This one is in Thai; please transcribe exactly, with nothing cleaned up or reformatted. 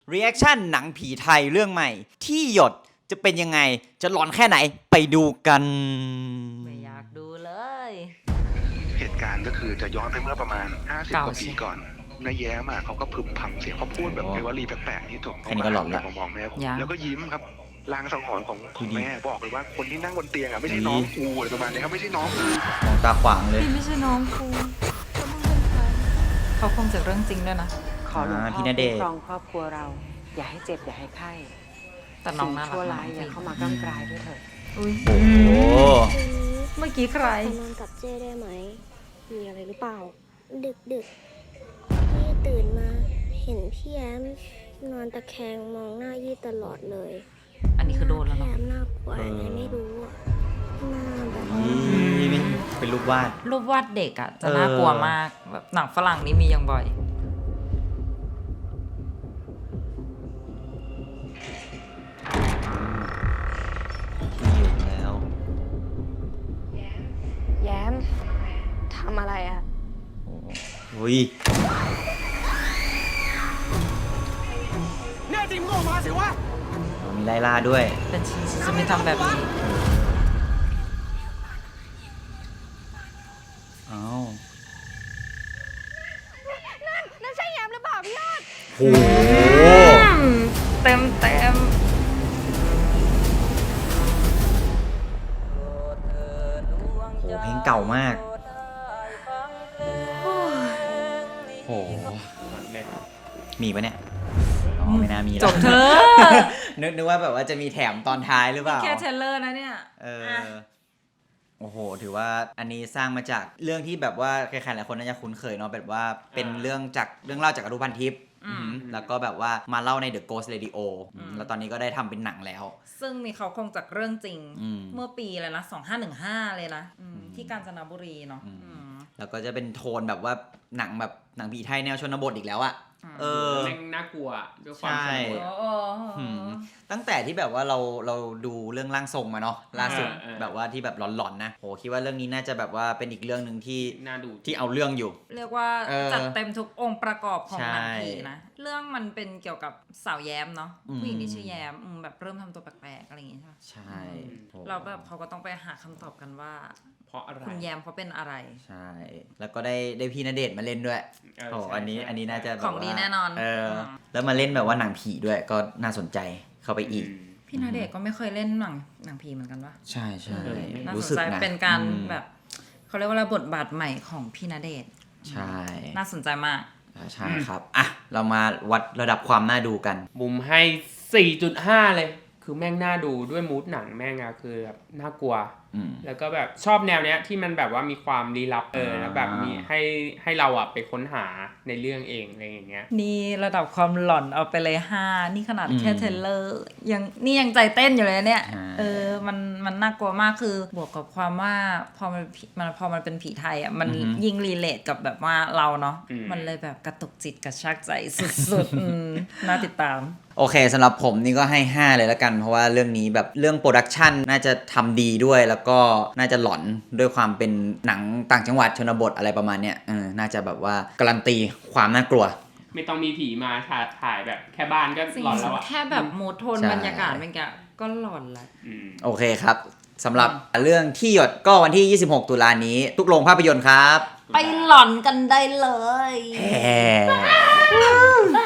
รีแอคชั่นหนังผีไทยเรื่องใหม่ที่หยดจะเป็นยังไงจะหลอนแค่ไหนไปดูกันไม่อยากดูเลยเหตุการณ์ก็คือจะย้อนไปเมื่อประมาณห้าสิบกว่าปีก่อนนายแย้มอ่ะเขาก็พึมพำเสียงเขาพูดแบบเป็นวลีแปลกๆที่ถูกเขามาแล้วมองแม่แล้วก็ยิ้มครับลางสังหรณ์ของของแม่บอกเลยว่าคนที่นั่งบนเตียงอ่ะไม่ใช่น้องกูอะไรประมาณนี้ครับไม่ใช่น้องกูมองตาขวางเลยพี่ไม่ใช่น้องกูเขาคงจากเรื่องจริงด้วยนะขอหลวงพ่อคุ้มครองครอบครัวเราอย่าให้เจ็บอย่าให้ไข้แต่น้องน่ารักชั่วร้ายอย่าเข้ามากล้ำกลายด้วยเถิดอุ้ยโอ้เมื่อกี้ใครนอนกับเจ้ได้ไหมมีอะไรหรือเปล่าดึกดึกพี่ตื่นมาเห็นพี่แอมนอนตะแคงมองหน้ายี่ตลอดเลยอันนี้คือโดนแล้วเนาะแอมน่ากลัวยังไงไม่รู้อะหน้าแบบเป็นรูปวาดรูปวาดเด็กอ่ะจะน่ากลัวมากแบบหนังฝรั่งนี้มีอย่างบ่อยอยู่แล้วแย้มทำอะไรอะโอ้ยแน่จริงมึงออกมาสิวะมีไล่ล่าด้วยเป็นชีสจะไม่ทำแบบนี้อ้าวนั่นนั่นใช่แย้มหรือเปล่าพี่ยอดโอ้เต็มเต็มโหเพลงเก่ามากโหมีปะเนี่ยอ๋อไม่น่ามีแล้วจบเธอนึกนึกว่าแบบว่าจะมีแถมตอนท้ายหรือเปล่าแค่เทเลอร์นะเนี่ยเออโอ้โหถือว่าอันนี้สร้างมาจากเรื่องที่แบบว่าใครๆหลายคนน่าจะคุ้นเคยเนาะแบบว่าเป็นเรื่องจากเรื่องเล่าจากอนุพันธ์ทิพย์แล้วก็แบบว่ามาเล่าใน The Ghost Radio แล้วตอนนี้ก็ได้ทำเป็นหนังแล้วซึ่งมีเขาคงจากเรื่องจริงเมื่อปีเลยนะสองพันห้าร้อยสิบห้าเลยนะที่กาญจนบุรีเนาะแล้วก็จะเป็นโทนแบบว่าหนังแบบหนังผีไทยแนวชนบทอีกแล้วอะเออแม่งน่ากลัวด้วยความใช่ตั้งแต่ที่แบบว่าเราเราดูเรื่องร่างทรงมาเนาะล่าสุดแบบว่าที่แบบหลอนๆนะโหคิดว่าเรื่องนี้น่าจะแบบว่าเป็นอีกเรื่องนึงที่น่าดูที่เอาเรื่องอยู่เรียกว่าจัดเต็มทุกองค์ประกอบของหนังผีนะเรื่องมันเป็นเกี่ยวกับสาวแย้มเนาะผู้หญิงที่ชื่อแย้มแบบเริ่มทำตัวแปลกๆอะไรอย่างเงี้ยใช่เราแบบเขาก็ต้องไปหาคำตอบกันว่าเพราะอะไรคุณแยมเขาเป็นอะไรใช่แล้วก็ได้ได้พี่ณเดชน์มาเล่นด้วยโอ้อันนี้อันนี้น่าจะของดีแน่นอนเออแล้วมาเล่นแบบว่าหนังผีด้วยก็น่าสนใจเข้าไปอีกพี่ณเดชน์ก็ไม่เคยเล่นหนังหนังผีเหมือนกันวะใช่ใช่รู้สึกนะเป็นการแบบเขาเรียกว่าบทบาทใหม่ของพี่ณเดชน์ใช่น่าสนใจมากใช่ครับอ่ะเรามาวัดระดับความน่าดูกันมุมให้ สี่จุดห้า เลยคือแม่งน่าดูด้วยมูดหนังแม่งอะคือแบบน่ากลัวแล้วก็แบบชอบแนวเนี้ยที่มันแบบว่ามีความลี้ลับเออแล้วแบบมีให้ให้เราอะไปค้นหาในเรื่องเองอะไรอย่างเงี้ยนี่ระดับความหลอนเอาไปเลยห้านี่ขนาดแค่เทรลเลอร์ยังนี่ยังใจเต้นอยู่เลยเนี่ยเออมันมันน่ากลัวมากคือบวกกับความว่าพอมันมันพอมันเป็นผีไทยอะมันยิ่งรีเลทกับแบบว่าเราเนาะมันเลยแบบกระตุกจิตกระชากใจสุดๆน่าติดตามโอเคสำหรับผมนี่ก็ให้ห้าเลยละกันเพราะว่าเรื่องนี้แบบเรื่องโปรดักชันน่าจะทำดีด้วยแล้วก็น่าจะหลอนด้วยความเป็นหนังต่างจังหวัดชนบทอะไรประมาณเนี้ยเออน่าจะแบบว่าการันตีความน่ากลัวไม่ต้องมีผีมาถ่ายแบบแค่บ้านก็หลอนแล้วอะแค่แบบโมโทนบรรยากาศมันก็หลอนแล้วโอเคครับสำหรับเรื่องที่หยดก็วันที่ยี่สิบหกตุลานี้ทุกโรงภาพยนตร์ครับไปหลอนกันได้เลย